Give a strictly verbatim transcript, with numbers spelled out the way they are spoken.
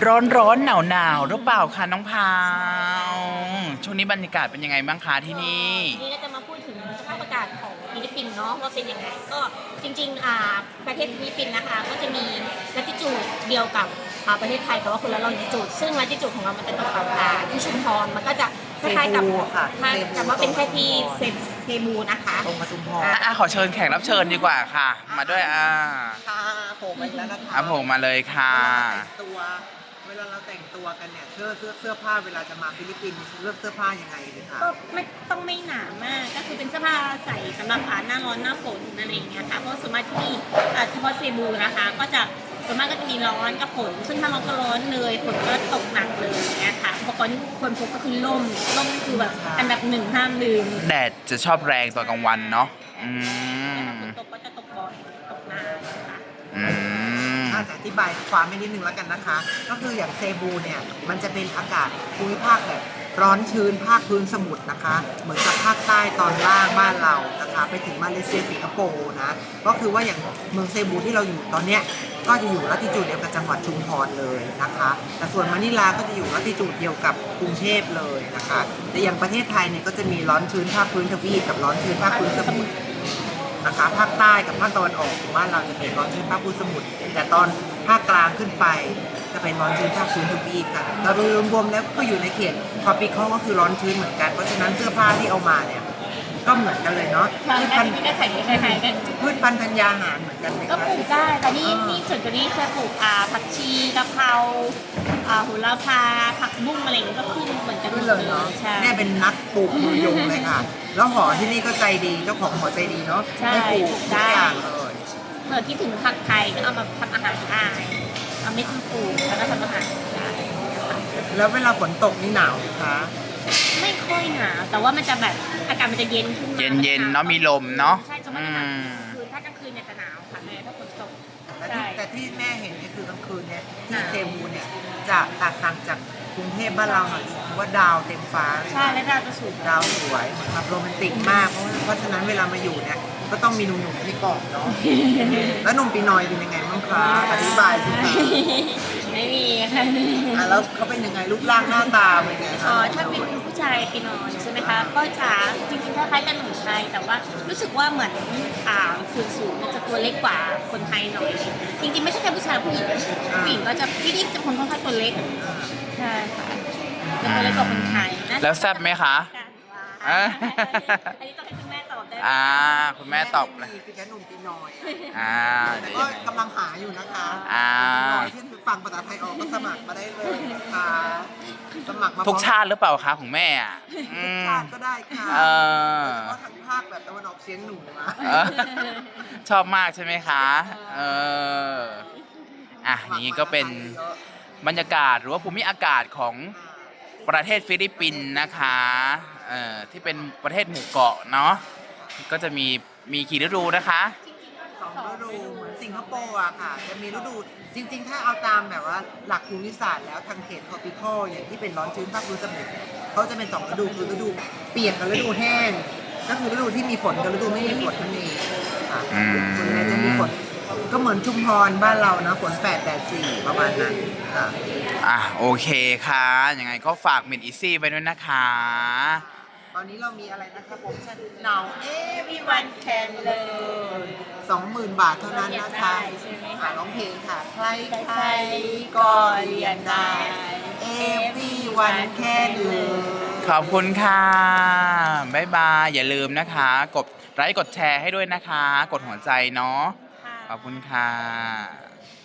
ร้อนร้อนหนาวหนาวหรือเปล่าคะน้องพาวช่วงนี้บรรยากาศเป็นยังไงบ้างคะที่นี่นี่เราจะมาพูดถึงสภาพอากาศของฟิลิปปินส์เนาะว่าเป็นยังไงก็จริงๆอ่าประเทศฟิลิปปินส์นะคะก็จะมีลัติจูดเดียวกับอ่าประเทศไทยแต่ว่าคนละลอนจิจูดซึ่งลัติจูดของเรามันจะตกกับอ่าที่ชุมพรมันก็จะคล้ายๆกับแต่ว่าเป็นแค่ที่เซเซบูนะคะตรงมาชุมพรอ่ะขอเชิญแขกรับเชิญดีกว่าค่ะ มาด้วยอ่าค่ะโผล่มาแล้วนะคะอ่ะผมมาเลยค่ะตัวเวลาเราแต่งตัวกันเนี่ยเสื้อเสื้อเสื้อผ้าเวลาจะมาฟิลิปปินส์เลือกเสื้อผ้ายังไงดีคะก็ไม่ต้องไม่หนามากก็คือเป็นเสื้อผ้าใส่สำหรับหน้าร้อนหน้าฝนอะไรอย่างเงี้ยค่ะเพราะส่วนมากที่นี่เฉพาะเซบูนะคะก็จะส่วนมากก็จะมีร้อนกับฝนซึ่งถ้าร้อนก็ร้อนเลยฝนก็ตกหนักเลยอย่างเงี้ยค่ะอุปกรณ์ที่ควรพกก็คือร่มร่มนี่คือแบบอันดับหนึ่งห้ามลืมแดดจะชอบแรงตอนกลางวันเนาะอืมฝนตกก็จะตกบ่อยตกนานนะคะอืมอาจจะอธิบายความไม่นิดนึงแล้วกันนะคะ ก็คืออย่างเซบูเนี่ยมันจะเป็นอากาศภูมิภาคแบบร้อนชื้นภาคพื้นสมุทรนะคะ เหมือนกับภาคใต้ตอนล่างบ้านเรานะคะไปถึงมาเลเซียสิงคโปร์นะก็คือว่าอย่างเมืองเซบูที่เราอยู่ตอนเนี้ยก็จะอยู่ลัติจูดเดียวกับจังหวัดชุมพรเลยนะคะแต่ส่วนมะนิลาก็จะอยู่ลัติจูดเดียวกับกรุงเทพเลยนะคะแต่อย่างประเทศไทยเนี่ยก็จะมีร้อนชื้นภาคพื้นทวีปกับร้อนชื้นภาคพื้นสมุทรนะคะภาคใต้กับภาคตะวันออกของบ้านเราจะเป็นร้อนชื้นภาคพื้นสมุทรแต่ตอนภาคกลางขึ้นไปจะเป็นร้อนชื้นภาคพื้นทวีปค่ะเรารวมๆแล้วก็อยู่ในเขตทรอปิคอลก็คือร้อนชื้นเหมือนกันเพราะฉะนั้นเสื้อผ้าที่เอามาเนี่ยก็เหมือนกันเลยเนาะพืชพันธุ์ก็ใส่คล้ายๆกันพืชพันธุ์ธัญญาหารเหมือนกันไหมก็ปลูกได้แต่นี่นี่ส่วนตัวนี้จะปลูกอ่าผักชีกะเพราอ่าโหระพาผักบุ้งอะไรอย่างเงี้ยก็ขึ้นเหมือนกันเลยเนาะแม่เป็นนักปลูกมือยงเลยค่ะแล้วหอที่นี่ก็ใจดีเจ้าของหอใจดีเนาะให้ปลูกทุกอย่างเลยเผื่อที่ถึงผักไทยก็เอามาทำอาหารได้เอาไม่ต้องปลูกแล้วก็ทำอาหารได้แล้วเวลาฝนตกนี่หนาวไหมคะไม่ค่อยหนาวแต่ว่ามันจะแบบอากาศมันจะเย็นขึ้นมาเย็นๆเนาะมีลมเนาะใช่จะไม่หนาวคือถ้ากลางคืนเนี่ยจะหนาวค่ะแม่ถ้าฝนตกแต่ที่แต่ที่แม่เห็นเนี่ยคือกลางคืนเนี่ยที่เซบูเนี่ยจะแตกต่างจากกรุงเทพบ้านเราหน่อยว่าดาวเต็มฟ้าใช่และดาวจะสูงดาวสวยแบบโรแมนติกมากเพราะเพราะฉะนั้นเวลามาอยู่เนี่ยก็ต้องมีหนุ่มๆให้กอดเนาะแล้วหนุ่มปีนอยเป็นยังไงบ้างคะอธิบายสิคะไม่มีค่ะอ่ะแล้วเขาเป็นยังไงรูปร่างหน้าตาเป็นไงคะอ๋อถ้าเป็นผู้ชายปีนอยใช่ไหมคะก็จะจริงๆคล้ายๆกันหนุ่มไทยแต่ว่ารู้สึกว่าเหมือนอ่าส่วนสูงมันจะตัวเล็กกว่าคนไทยหน่อยจริงๆไม่ใช่แค่ผู้ชายผู้หญิงผู้หญิงก็จะที่นี่จะคนค่อนข้างตัวเล็กใช่ค่ะจะตัวเล็กกว่าคนไทยแล้วแซ่บไหมคะอันนี้ต้องให้คุณแม่ตอบได้อ่าคุณแม่ตอบเลยคือแค่หนุ่มปีนอยอ่าแต่ก็กำลังหาอยู่นะคะอ่าที่ฟังภาษาไทยออกก็สมัครมาได้เลยนะคะสมัครมาทุกชาติหรือเปล่าคะของแม่อ่ะทุกชาติก็ได้ค่ะเออเพราะทั้งภาคแบบตะวันออกเฉียงเหนือชอบมากใช่ไหมคะเอออ่ะอย่างนี้ก็เป็นบรรยากาศหรือว่าภูมิอากาศของประเทศฟิลิปปินส์นะคะเอ่อที่เป็นประเทศหมู่เกาะเนาะก็จะมีมีกี่ฤดูนะคะสองฤดูเหมือนสิงคโปร์อะค่ะจะมีฤดูจริงๆถ้าเอาตามแบบว่าหลักภูมิศาสตร์แล้วทางเขตทรอปิคอลอย่างที่เป็นร้อนชื้นภาคพื้นสมุทรเขาจะเป็นสองฤดูคือฤดูเปียกกับฤดูแห้งก็คือฤดูที่มีฝนกับฤดูไม่มีฝนนั่นเองค่ะส่วนใหญ่จะมีฝนก็เหมือนชุมพรบ้านเรานะฝนแปดแดดสี่ประมาณนั้นค่ะอ่ะโอเคค่ะยังไงก็ฝากเมดอีซี่ไปด้วยนะคะตอนนี้เรามีอะไรนะครับผมหนาวเอ๊ะพี่วันแคนเลยสองหมื่นบาทเท่านั้นนะคะค่ะร้องเพลงค่ะใครใครก็เรียนได้เอวี่วันแคนเลยขอบคุณค่ะบ๊ายบายอย่าลืมนะคะกดไลค์กดแชร์ให้ด้วยนะคะกดหัวใจเนาะขอบคุณค่ะ